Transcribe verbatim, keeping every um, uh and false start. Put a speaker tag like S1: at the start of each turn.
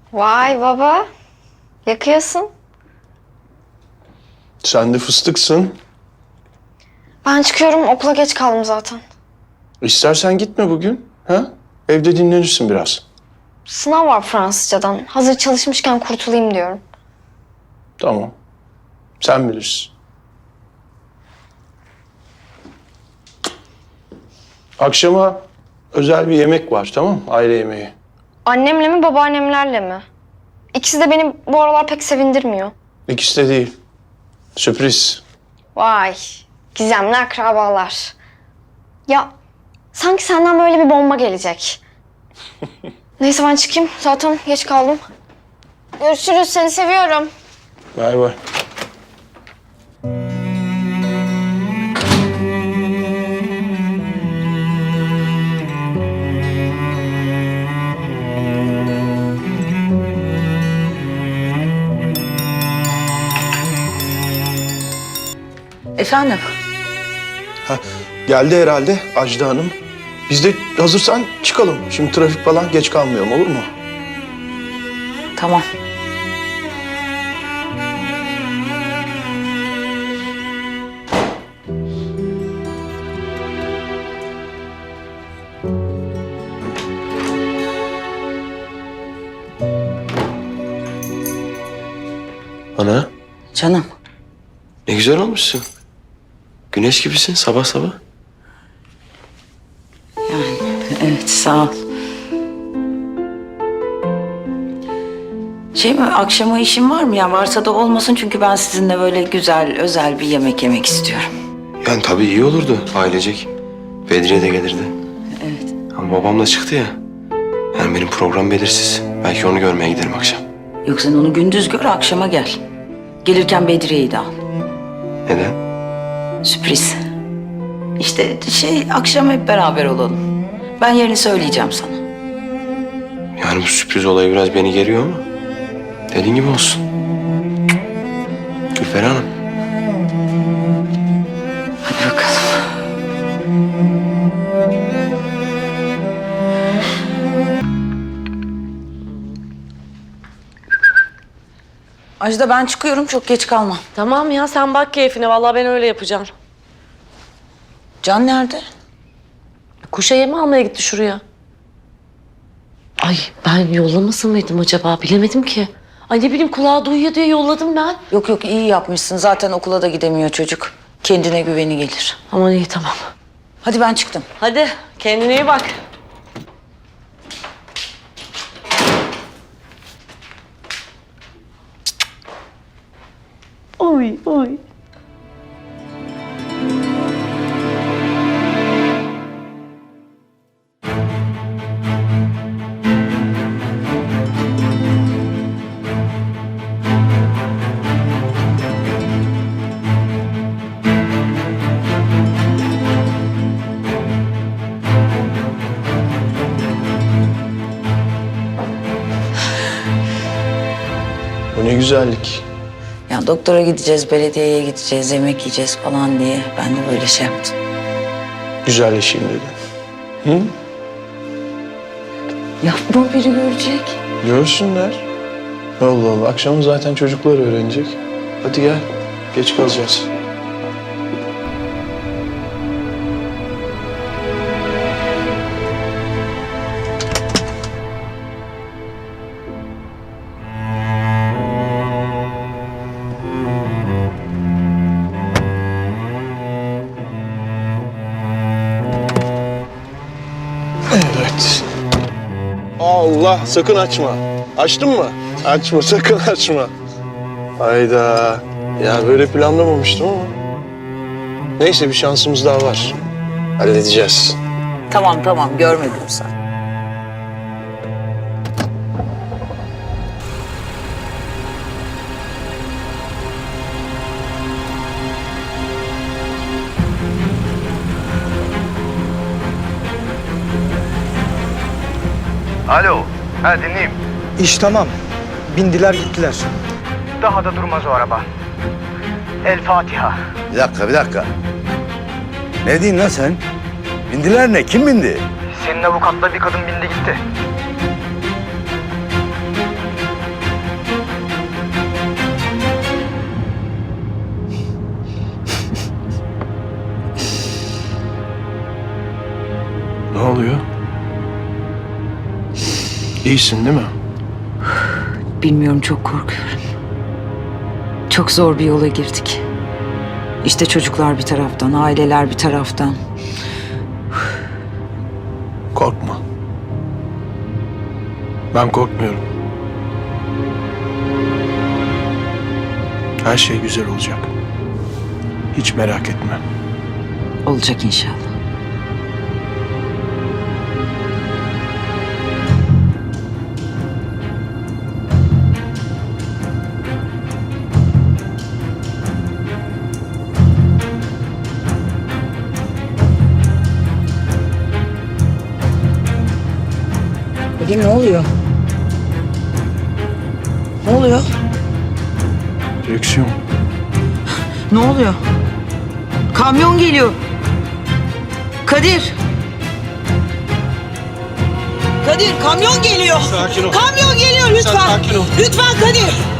S1: Vay baba. Yakıyorsun.
S2: Sen de fıstıksın.
S1: Ben çıkıyorum. Okula geç kaldım zaten.
S2: İstersen gitme bugün. Ha? Evde dinlenirsin biraz.
S1: Sınav var Fransızcadan. Hazır çalışmışken kurtulayım diyorum.
S2: Tamam. Sen bilirsin. Akşama özel bir yemek var, tamam mı? Aile yemeği.
S1: Annemle mi babaannemlerle mi? İkisi de beni bu aralar pek sevindirmiyor.
S2: İkisi de değil. Sürpriz.
S1: Vay. Gizemli akrabalar. Ya sanki senden böyle bir bomba gelecek. Neyse ben çıkayım. Zaten geç kaldım. Görüşürüz. Seni seviyorum.
S2: Bay bay.
S3: Efendim?
S2: Ha, geldi herhalde Ajda Hanım. Biz de hazırsan çıkalım. Şimdi trafik falan geç kalmayalım, olur mu?
S3: Tamam.
S4: Ana,
S3: Canım.
S4: ne güzel olmuşsun. Güneş gibisin sabah sabah.
S3: Yani evet sağ ol. Şey mi akşama işin var mı ya? Varsa da olmasın çünkü ben sizinle böyle güzel özel bir yemek yemek istiyorum.
S4: Yani tabii iyi olurdu ailecek. Bedriye de gelirdi.
S3: Evet.
S4: Ama babam da çıktı ya. Yani benim program belirsiz. Belki onu görmeye giderim akşam.
S3: Yok sen onu gündüz gör akşama gel. Gelirken Bedriye'yi de al.
S4: Neden?
S3: Sürpriz. İşte şey akşam hep beraber olalım. Ben yerini söyleyeceğim sana.
S4: Yani bu sürpriz olayı biraz beni geriyor ama dediğin gibi olsun. Gülferi Hanım.
S3: Hadi bakalım. Ajda ben çıkıyorum çok geç kalma.
S5: Tamam ya sen bak keyfine. Vallahi ben öyle yapacağım.
S3: Can nerede?
S5: Kuşa yemi almaya gitti şuraya. Ay ben yollamasın mıydım acaba? Bilemedim ki. Ay ne bileyim kulağı duyuyor diye yolladım ben.
S3: Yok yok iyi yapmışsın. Zaten okula da gidemiyor çocuk. Kendine güveni gelir.
S5: Aman iyi tamam.
S3: Hadi ben çıktım.
S5: Hadi kendine iyi bak. Oy oy.
S2: Bu ne güzellik.
S3: Ya doktora gideceğiz, belediyeye gideceğiz, yemek yiyeceğiz falan diye ben de böyle şey yaptım.
S2: Güzelleşeyim dedim. Hı?
S3: Yapma biri görecek.
S2: Görsünler. Allah Allah. Akşam zaten çocuklar öğrenecek. Hadi gel. Geç kalacağız. Evet. Allah sakın açma. Açtın mı? Açma sakın açma. Hayda. Ya böyle planlamamıştım ama. Neyse bir şansımız daha var. Halledeceğiz.
S3: Tamam tamam görmedim sen.
S6: Alo, ha dinleyeyim.
S7: İş tamam. Bindiler gittiler.
S6: Daha da durmaz o araba. El Fatiha.
S8: Bir dakika, bir dakika. Ne diyorsun lan sen? Bindiler ne? Kim bindi?
S6: Senin avukatla bir kadın bindi gitti.
S2: İyisin değil mi?
S3: Bilmiyorum, çok korkuyorum. Çok zor bir yola girdik. İşte çocuklar bir taraftan, aileler bir taraftan.
S2: Korkma. Ben korkmuyorum. Her şey güzel olacak. Hiç merak etme.
S3: Olacak inşallah. Kadir, ne oluyor? Ne oluyor?
S2: Direksiyon.
S3: Ne oluyor? Kamyon geliyor. Kadir. Kadir, kamyon geliyor.
S2: Sakin ol.
S3: Kamyon geliyor lütfen.
S2: sakin ol.
S3: Lütfen Kadir.